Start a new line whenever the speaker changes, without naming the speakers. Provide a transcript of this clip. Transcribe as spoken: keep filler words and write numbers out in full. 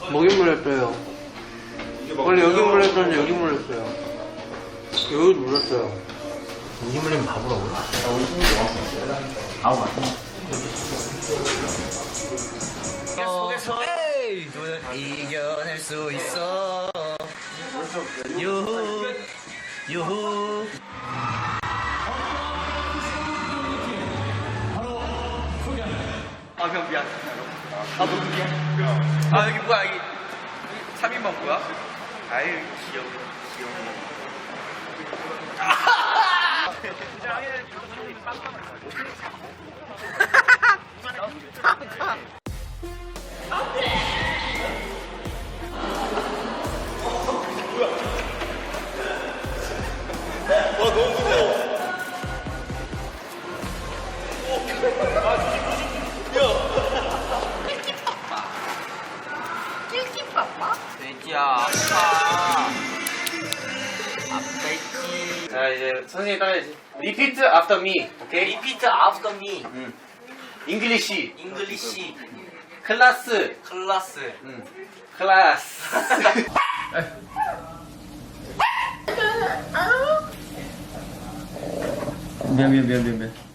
먹이 물렸어요. 원래 여기 물렸었는데 여기 물렸어요. 여기 물렸어요.
여기 물리면 바보라고요? 아우 맞네.
속에서 에이 너는 이겨낼 수 있어. 유후 유후. 아형 미안. 아 너무 미안. 아 여기 뭐야 여기 삼 인방 뭐야? 아유 귀여워 귀여워. 돼지야 아파. 아프지.
자 이제 선생님 따라야지. Repeat after me. 오케이?
리피트 아프터 미.
응. 잉글리시.
잉글리시
클라스.
클라스.
응. 클라스.
미안 미안 미안 미안 미안.